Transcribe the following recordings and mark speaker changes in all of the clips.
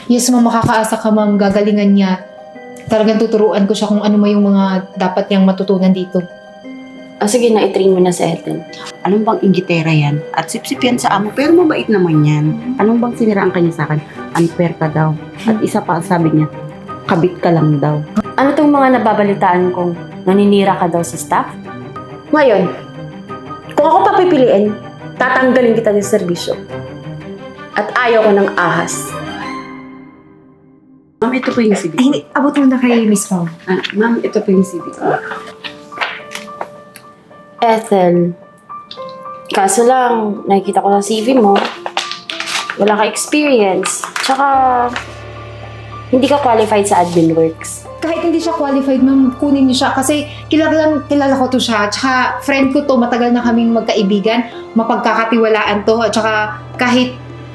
Speaker 1: Yes, ma'am, makakaasa ka, ma'am. Gagalingan niya. Talagang tuturuan ko siya kung ano yung mga dapat niyang matutunan dito.
Speaker 2: Sige na, i-train mo na si Ethel.
Speaker 3: Anong bang inggitera yan? At sip-sip yan sa amo, pero mabait naman yan. Anong bang siniraan kanya sa akin? Unfair ka daw. At isa pa, sabi niya, kabit ka lang daw.
Speaker 2: Ano tong mga nababalitaan kong naninira ka daw sa staff? Ngayon, kung ako papipiliin, tatanggalin kita ng serbisyo. At ayaw ko ng ahas.
Speaker 3: Ma'am, ito po yung CV
Speaker 1: Ay,
Speaker 3: ko.
Speaker 1: hindi. Abot mo na kay Miss Pao.
Speaker 3: Ma'am, ito po yung CV ko.
Speaker 2: Ethel, kaso lang, nakikita ko sa CV mo, wala ka experience. Tsaka, hindi ka qualified sa admin works.
Speaker 1: Kahit hindi siya qualified, ma'am, kunin niyo siya. Kasi kilala ko to siya. Tsaka friend ko to, matagal na kaming magkaibigan. Mapagkakatiwalaan to. At tsaka kahit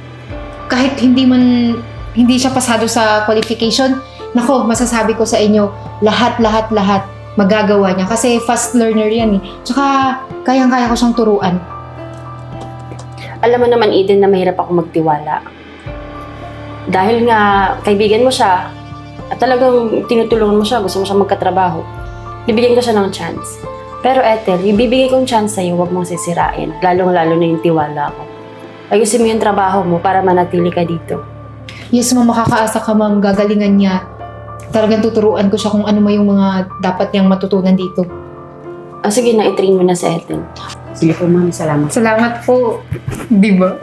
Speaker 1: hindi siya pasado sa qualification, nako, masasabi ko sa inyo, lahat, magagawa niya. Kasi fast learner yan eh. Tsaka, kayang-kaya ko siyang turuan.
Speaker 2: Alam mo naman, Eden, na mahirap ako magtiwala. Dahil nga, kaibigan mo siya, at talagang tinutulungan mo siya, gusto mo siya magkatrabaho. Bibigyan ko siya ng chance. Pero Ethel, yung bibigay kong chance sa'yo, huwag mong sisirain. Lalong-lalo na yung tiwala ko. Ayusin mo yung trabaho mo para manatili ka dito.
Speaker 1: Yes, ma'am, makakaasa ka, ma'am. Gagalingan niya. Talagang tuturuan ko siya kung ano yung mga dapat niyang matutunan dito.
Speaker 2: Sige na, i-train mo na si Ethel.
Speaker 3: Sige po, ma'am, salamat.
Speaker 1: Salamat po. Di ba?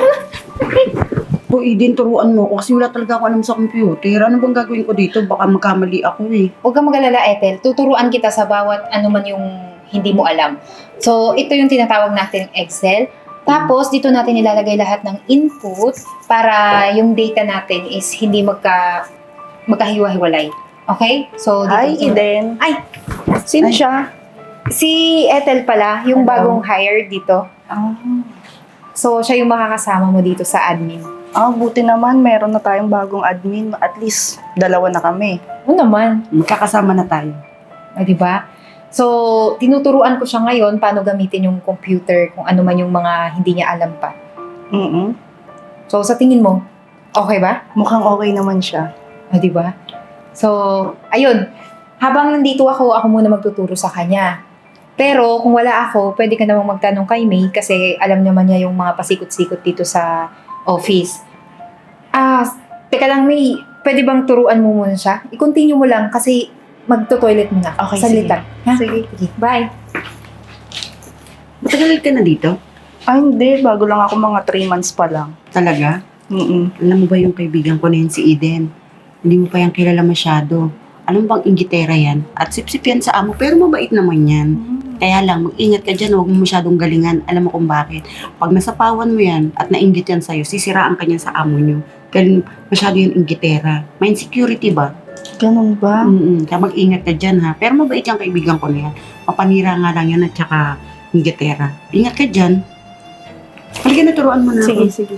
Speaker 3: Po, Eden, turuan mo ako kasi wala talaga ako alam sa computer. Ano bang gagawin ko dito? Baka magkamali ako eh.
Speaker 1: Huwag kang mag-alala, Ethel. Tuturuan kita sa bawat ano man yung hindi mo alam. So, ito yung tinatawag natin Excel. Tapos, dito natin ilalagay lahat ng input para yung data natin is hindi magkahiwa-hiwalay. Okay? So, dito.
Speaker 4: Hi, Eden.
Speaker 1: Ay!
Speaker 4: Sino siya?
Speaker 1: Si Ethel pala, yung bagong hire dito. So, siya yung makakasama mo dito sa admin.
Speaker 4: Buti naman, meron na tayong bagong admin. At least, dalawa na kami.
Speaker 1: Oo naman.
Speaker 3: Magkakasama na tayo.
Speaker 1: Di ba? So, tinuturuan ko siya ngayon paano gamitin yung computer, kung ano man yung mga hindi niya alam pa. So, sa tingin mo, okay ba?
Speaker 4: Mukhang okay naman siya.
Speaker 1: Di ba? So, ayun. Habang nandito ako muna magtuturo sa kanya. Pero, kung wala ako, pwede ka namang magtanong kay May kasi alam naman niya yung mga pasikot-sikot dito sa office. Teka lang, May. Pwede bang turuan mo muna siya? I-continue mo lang kasi magto-toilet muna.
Speaker 3: Okay,
Speaker 1: Salita. Ha?
Speaker 4: Sige.
Speaker 1: Bye.
Speaker 3: Matagal ka na dito?
Speaker 4: Hindi. Bago lang ako, mga 3 months pa lang.
Speaker 3: Talaga? Alam mo ba yung kaibigan ko na yun si Eden? Hindi mo pa yan kilala masyado. Anong bang inggitera yan? At sip-sip yan sa amo, pero mabait naman yan. Kaya lang, mag-ingat ka dyan, huwag mo masyadong galingan. Alam mo kung bakit. Pag nasapawan mo yan at nainggit yan sa'yo, sisiraan ka niyan sa amo nyo. Kaya masyado yung inggitera. May insecurity ba?
Speaker 4: Ganun ba?
Speaker 3: Kaya mag-ingat ka dyan ha. Pero mabait yung kaibigan ko na yan. Papanira nga lang yan at saka inggitera. Ingat ka dyan. Halika na, turuan mo na ako.
Speaker 4: Sige.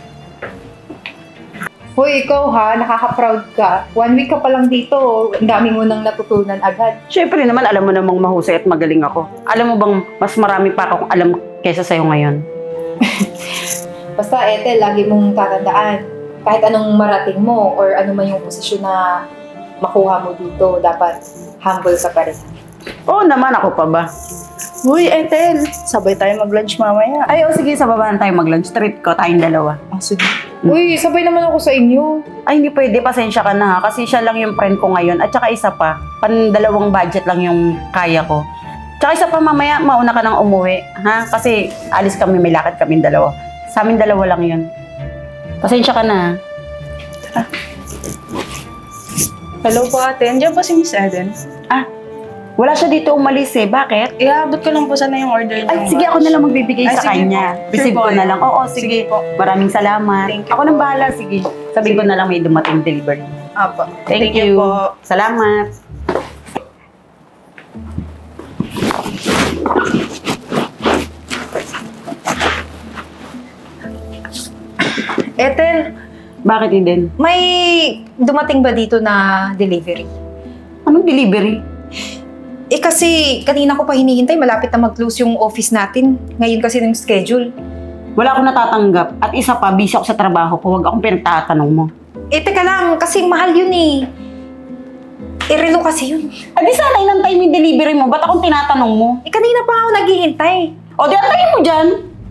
Speaker 1: Hoy, ikaw ha, nakaka-proud ka. 1 week ka pa lang dito, ang dami mo nang natutunan agad.
Speaker 3: Siyempre naman, alam mo namang mahusay at magaling ako. Alam mo bang mas marami pa akong alam kaysa sa'yo ngayon?
Speaker 1: Basta, Ethel, lagi mong tatandaan. Kahit anong marating mo or ano man yung posisyon na makuha mo dito, dapat humble ka pa rin.
Speaker 3: Oo naman, ako pa ba?
Speaker 4: Uy, Ethel. Sabay tayo mag-lunch mamaya.
Speaker 3: Ay, sige, sa baba na tayo mag-lunch. Treat ko, tayong dalawa.
Speaker 1: Sige. Uy, sabay naman ako sa inyo.
Speaker 3: Ay, hindi pwede. Pasensya ka na ha. Kasi siya lang yung friend ko ngayon. At saka isa pa, dalawang budget lang yung kaya ko. Tsaka isa pa, mamaya, mauna ka nang umuwi. Ha? Kasi alis kami, may lakad kami dalawa. Sa amin dalawa lang yun. Pasensya ka na ha.
Speaker 4: Hello po, ate. Andiyan po si Miss Eden.
Speaker 3: Wala siya dito umalis eh. Bakit?
Speaker 4: Iabot ko lang po sana yung order niyo.
Speaker 3: Ay, sige, ako na lang magbibigay
Speaker 4: Ay,
Speaker 3: sa
Speaker 4: sige
Speaker 3: kanya.
Speaker 4: po.
Speaker 3: Receive
Speaker 4: Sure
Speaker 3: ko
Speaker 4: po,
Speaker 3: na
Speaker 4: eh.
Speaker 3: lang. Oo, sige.
Speaker 4: Sige po.
Speaker 3: Maraming salamat.
Speaker 4: Thank you
Speaker 3: Ako
Speaker 4: po.
Speaker 3: nang bahala, sige. Sabihin ko na lang may dumating delivery.
Speaker 4: Apo.
Speaker 3: Thank you.
Speaker 4: po.
Speaker 3: Salamat.
Speaker 1: Ethel,
Speaker 3: Bakit Eden?
Speaker 1: may dumating ba dito na delivery?
Speaker 3: Anong delivery?
Speaker 1: Kasi kanina ko pa hinihintay, malapit na mag-close yung office natin. Ngayon kasi ng schedule.
Speaker 3: Wala akong natatanggap. At isa pa, busy ako sa trabaho ko. Huwag akong pinagtatanong mo.
Speaker 1: Eh, teka lang, kasi mahal yun eh. Relo kasi yun.
Speaker 3: Di sana inantay mo yung delivery mo. Ba't akong tinatanong mo?
Speaker 1: Eh, kanina pa ako naghihintay.
Speaker 3: O, di antayin mo dyan.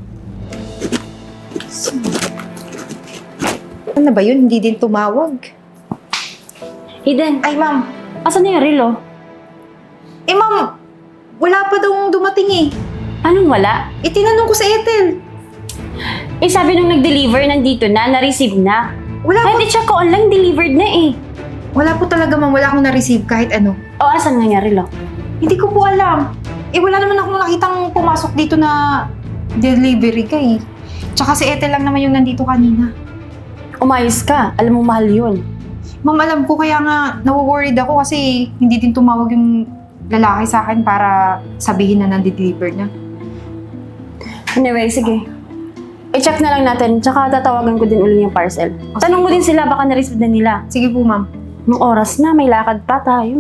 Speaker 1: Ano ba yun? Hindi din tumawag.
Speaker 2: Eden,
Speaker 1: Ay, ma'am.
Speaker 2: asan na yung relo?
Speaker 1: Eh, ma'am, wala pa daw dumating eh.
Speaker 2: Anong wala?
Speaker 1: Eh, tinanong ko sa Ethel.
Speaker 2: Eh, sabi nung nag-deliver, nandito na, na-receive na.
Speaker 1: Wala po,
Speaker 2: Kahit i-check ko online, delivered na eh.
Speaker 1: wala po talaga, ma'am. Wala akong na-receive kahit ano.
Speaker 2: O, asan nga yung relo?
Speaker 1: Hindi ko po alam. Eh, wala naman akong nakitang pumasok dito na delivery ka eh. Tsaka si Ethel lang naman yung nandito kanina.
Speaker 2: Umayos ka, alam mo mahal yun.
Speaker 1: Ma'am, alam ko kaya nga nawo-worried ako kasi hindi din tumawag yung lalaki sa akin para sabihin na nandi-deliver na.
Speaker 2: Anyway, sige. I-check na lang natin, tsaka tatawagan ko din uli yung parcel. Tanong mo din sila, baka na-receive na nila.
Speaker 1: Sige po, ma'am.
Speaker 2: Nung oras na, may lakad pa tayo.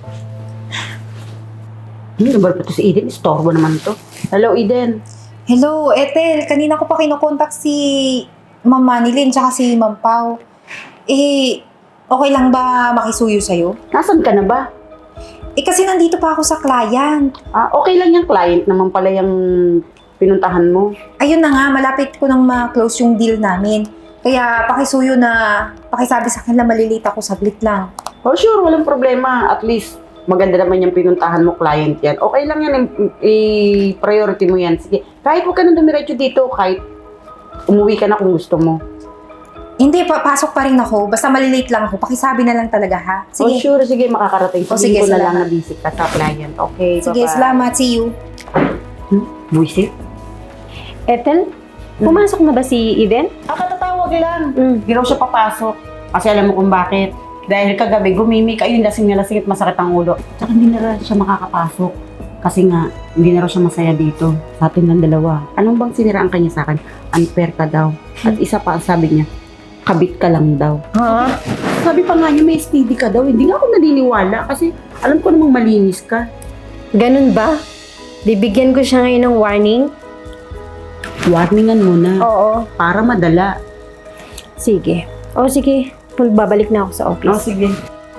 Speaker 3: Nabar pa to si Eden. Istorbo naman to. Hello, Eden.
Speaker 1: Hello, Ethel. Kanina ko pa kinokontak si Ma'am Manilyn tsaka si Ma'am Pao. Eh, okay lang ba makisuyo sa'yo?
Speaker 3: Nasaan ka na ba?
Speaker 1: Eh, kasi nandito pa ako sa client.
Speaker 3: Okay lang yung client naman pala yung pinuntahan mo.
Speaker 1: Ayun na nga, malapit ko nang ma-close yung deal namin. Kaya pakisuyo na pakisabi sa akin na malilate ako saglit lang.
Speaker 3: Oh, sure. Walang problema. At least, maganda naman yung pinuntahan mo, client yan. Okay lang yan. I-priority mo yan. Sige. Kahit huwag ka nang dumiretso dito, kahit umuwi ka na kung gusto mo.
Speaker 1: Hindi, pasok pa rin ako. Basta malilate lang ako. Pakisabi na lang talaga, ha?
Speaker 3: Oh,
Speaker 1: Sige.
Speaker 3: sure. Sige, makakarating.
Speaker 1: Oh,
Speaker 3: Sige,
Speaker 1: sige,
Speaker 3: ko na lang
Speaker 1: salamat.
Speaker 3: na visit ka sa client. Okay,
Speaker 1: Sige,
Speaker 3: bye-bye.
Speaker 1: salamat. See you.
Speaker 3: Buisit?
Speaker 5: Ethel, pumasok na ba si Eden?
Speaker 3: Katatawag lang. Hindi raw siya papasok. Kasi alam mo kung bakit. Dahil kagabi, gumimik. Ayun, lasing na lasing at masakit ang ulo. Tsaka hindi na raw siya makakapasok. Kasi nga, hindi na raw siya masaya dito. Sa atin lang dalawa. Anong bang siniraan kanya sa akin? Unfair ka daw. At isa pa, sabi niya, kabit ka lang daw.
Speaker 5: Ha?
Speaker 3: Sabi pa nga niya, may STD ka daw. Hindi nga ako naniniwala kasi alam ko namang malinis ka.
Speaker 5: Ganun ba? Bibigyan ko siya ngayon ng warning?
Speaker 3: Warningan mo na.
Speaker 5: Oo.
Speaker 3: Para madala.
Speaker 5: Sige. O sige, babalik na ako sa office.
Speaker 3: sige.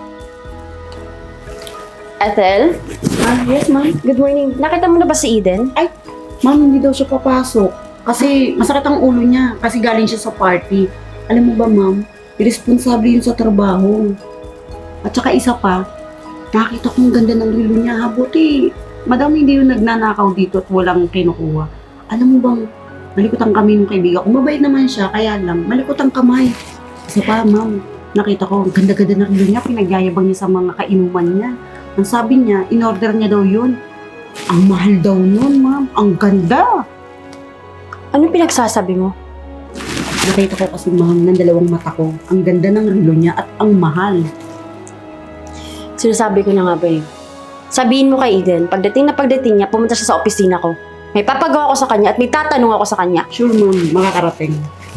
Speaker 2: Ethel,
Speaker 3: Yes, ma'am.
Speaker 2: good morning. Nakita mo na ba si Eden?
Speaker 3: Ma'am, hindi daw siya papasok. Kasi masakit ang ulo niya. Kasi galing siya sa party. Alam mo ba, ma'am? Irresponsable yun sa trabaho. At saka isa pa, nakita kong ganda ng relo niya. Ha, buti. Madam, hindi yung nagnanakaw dito at walang kinukuha. Alam mo bang, malikot ang kami ng kaibigan ko. Mabait naman siya, kaya lang, malikot ang kamay. Isa pa, ma'am, nakita ko, ang ganda-ganda ng relo niya. Pinagyayabang niya sa mga kainuman niya. Ang sabi niya, in-order niya daw yun. Ang mahal daw nun, ma'am. Ang ganda.
Speaker 2: Anong pinagsasabi mo?
Speaker 3: Nakita ko kasi, ma'am, ng dalawang mata ko. Ang ganda ng relo niya at ang mahal.
Speaker 2: Sinasabi ko na nga ba eh. Sabihin mo kay Eden, pagdating niya, pumunta siya sa opisina ko. May papagawa ko sa kanya at may tatanong ako sa kanya.
Speaker 3: Sure, ma'am, makakarating.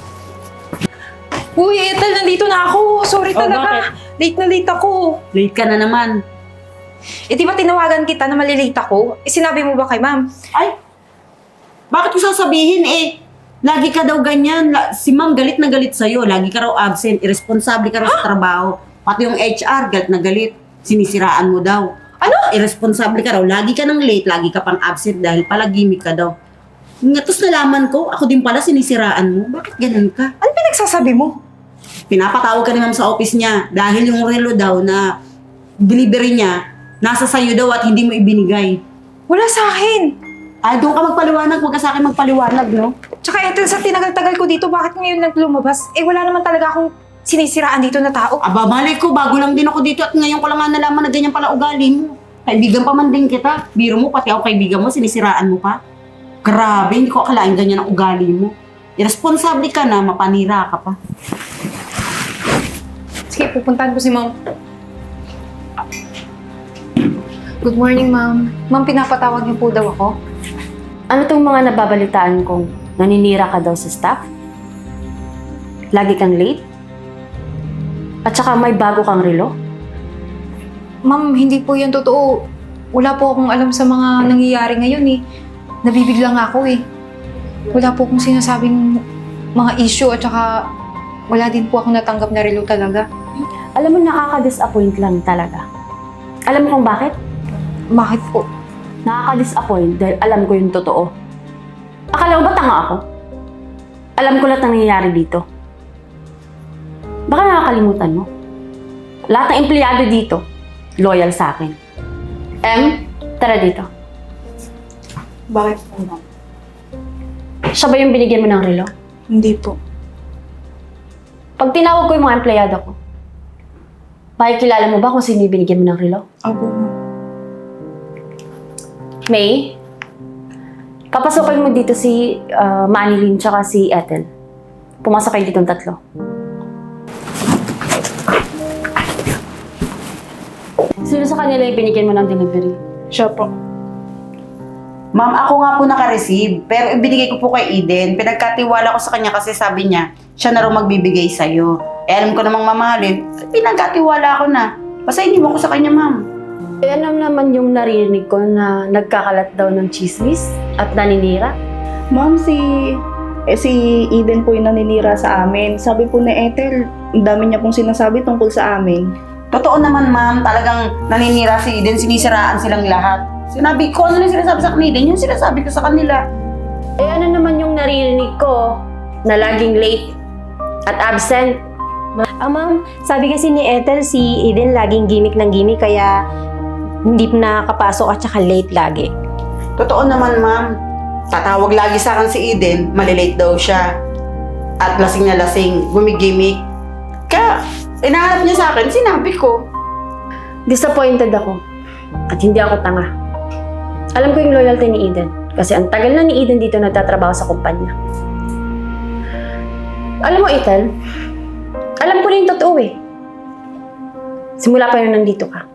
Speaker 1: Uy, Ethel, nandito na ako. Sorry
Speaker 3: Oh,
Speaker 1: talaga. Late na late ako.
Speaker 3: Late ka na naman.
Speaker 1: Eh, di ba tinawagan kita na malilate ako? Eh, sinabi mo ba kay ma'am?
Speaker 3: Ay, bakit ko sasabihin eh? Lagi ka daw ganyan. Si ma'am galit na galit sa'yo. Lagi ka raw absent. Irresponsible ka raw sa trabaho. Pati yung HR, galit na galit. Sinisiraan mo daw.
Speaker 1: Ano?
Speaker 3: Irresponsible ka raw. Lagi ka nang late. Lagi ka pang absent dahil pala gimmick ka daw. Tapos nalaman ko, ako din pala sinisiraan mo. Bakit ganun ka?
Speaker 1: Ano pinagsasabi mo?
Speaker 3: Pinapatawag ka ni ma'am sa office niya dahil yung relo daw na delivery niya, nasa sayo daw at hindi mo ibinigay.
Speaker 1: Wala sa akin.
Speaker 3: Ay, doon ka magpaliwanag. Huwag ka sa akin magpaliwanag, no?
Speaker 1: Tsaka Ethel, sa tinagal-tagal ko dito, bakit ngayon naglumabas? Eh, wala naman talaga akong sinisiraan dito na tao.
Speaker 3: Aba, mali ko. Bago lang din ako dito at ngayon ko lang nga nalaman na ganyan pala ugali mo. Kaibigan pa man din kita. Biro mo, pati ako kaibigan mo, sinisiraan mo pa. Grabe, hindi ko akalain ganyan ang ugali mo. Irresponsible ka na, mapanira ka pa.
Speaker 1: Sige, pupuntahan ko si ma'am. Good morning, ma'am. Ma'am, pinapatawag niyo po daw ako.
Speaker 2: Ano tong mga nababalitaan kong naninira ka daw sa staff? Lagi kang late? At saka may bago kang relo?
Speaker 1: Ma'am, hindi po yan totoo. Wala po akong alam sa mga nangyayari ngayon eh. Nabibigla nga ako eh. Wala po akong sinasabing mga issue at saka wala din po ako natanggap na relo talaga.
Speaker 2: Alam mo, nakaka-disappoint lang talaga. Alam mo kung bakit?
Speaker 1: Bakit po?
Speaker 2: Nakaka-disappoint dahil alam ko yung totoo. Akala mo ba tanga ako? Alam ko lahat ng nangyayari dito. Baka nakakalimutan mo. Lahat ng empleyado dito, loyal sa akin. Tara dito.
Speaker 4: Bakit po, ma'am?
Speaker 2: Siya ba yung binigyan mo ng relo?
Speaker 4: Hindi po.
Speaker 2: Pag tinawag ko yung mga empleyado ko, makikilala mo ba kung sino yung binigyan mo ng relo?
Speaker 4: Opo, ma'am.
Speaker 2: May, papasukin mo dito si Manilyn tsaka si Ethel. Pumasok kayo ditong tatlo. Sino sa kanila yung binigyan mo ng delivery?
Speaker 4: Siya po.
Speaker 3: Ma'am, ako nga po naka-receive, pero ibinigay ko po kay Eden. Pinagkatiwala ko sa kanya kasi sabi niya, siya na raw magbibigay sa'yo. Eh, alam ko namang mamahalin, pinagkatiwala ko na. Basta hindi mo ko sa kanya, ma'am.
Speaker 2: Eh, alam naman yung narinig ko na nagkakalat daw ng chismis at naninira.
Speaker 4: Ma'am, si Eden po yung naninira sa amin. Sabi po ni Ethel, ang dami niya pong sinasabi tungkol sa amin.
Speaker 3: Totoo naman, ma'am, talagang naninira si Eden, sinisiraan silang lahat. Sinabi ko, ano na sinasabi sa kanila, yung sinasabi ko sa kanila.
Speaker 2: Eh, ano naman yung naririnig ko na laging late at absent?
Speaker 5: Ma'am, sabi kasi ni Ethel, si Eden laging gimmick ng gimmick, kaya hindi na nakapasok at saka late lagi.
Speaker 3: Totoo naman, ma'am. Tatawag lagi sa akin si Eden, malilate daw siya. At lasing na lasing, gumigimik. Kaya, inaharap niya sa akin, sinabi ko.
Speaker 2: Disappointed ako at hindi ako tanga. Alam ko yung loyalty ni Eden kasi ang tagal na ni Eden dito nagtatrabaho sa kumpanya. Alam mo, Ethel, alam ko na yung totoo eh. Simula pa yun nandito ka.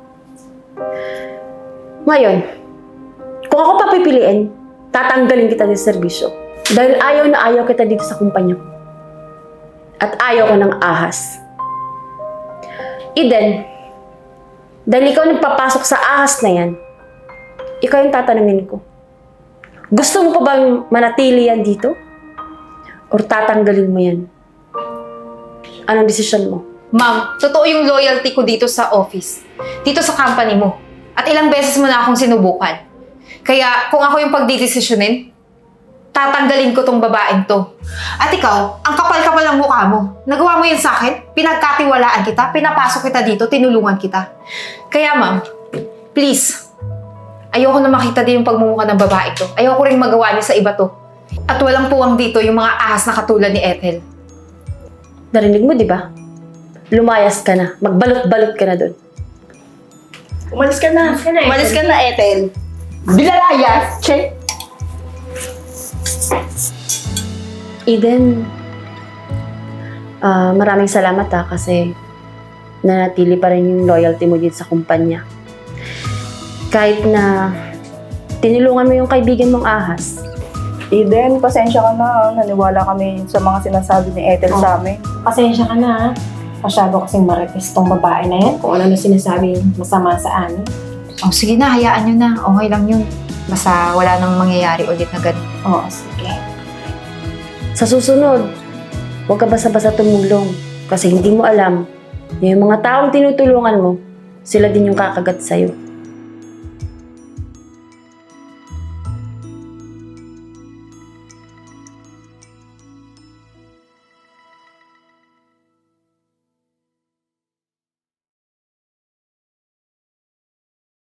Speaker 2: Ngayon, kung ako papipiliin, tatanggalin kita ng serbisyo. Dahil ayaw na ayaw kita dito sa kumpanya ko. At ayaw ko ng ahas. Eden, dahil ikaw nagpapasok sa ahas na yan, ikaw yung tatanungin ko. Gusto mo pa bang manatili yan dito? Or tatanggalin mo yan? Anong desisyon mo?
Speaker 1: Ma'am, totoo yung loyalty ko dito sa office. Dito sa company mo. At ilang beses mo na akong sinubukan. Kaya kung ako yung pagdidesisyonin, tatanggalin ko tong babaeng to. At ikaw, ang kapal-kapal ng mukha mo. Nagawa mo yun sa akin, pinagkatiwalaan kita, pinapasok kita dito, tinulungan kita. Kaya ma'am, please, ayoko na makita din yung pagmumukha ng babae to. Ayoko rin magawa niya sa iba to. At walang puwang dito yung mga ahas na katulad ni Ethel.
Speaker 2: Narinig mo, di ba? Lumayas ka na. Magbalot-balot ka na doon.
Speaker 4: Umalis ka na.
Speaker 3: Umalis ka na, Ethel. Bilalayas, check.
Speaker 2: Eden, maraming salamat kasi nanatili pa rin yung loyalty mo dito sa kumpanya. Kahit na tinulungan mo yung kaibigan mong ahas.
Speaker 4: Eden, pasensya ka na. Naniwala kami sa mga sinasabi ni Ethel sa amin.
Speaker 5: Pasensya ka na, ha? Masyado kasing marites tong babae na yan, kung ano na sinasabi masama sa amin.
Speaker 1: Oh, sige na, hayaan nyo na. Okay lang yun. Basta wala nang mangyayari ulit na ganun.
Speaker 5: Oo, sige.
Speaker 2: Sa susunod, huwag ka basta-basta tumulong kasi hindi mo alam na yung mga taong tinutulungan mo, sila din yung kakagat sa'yo.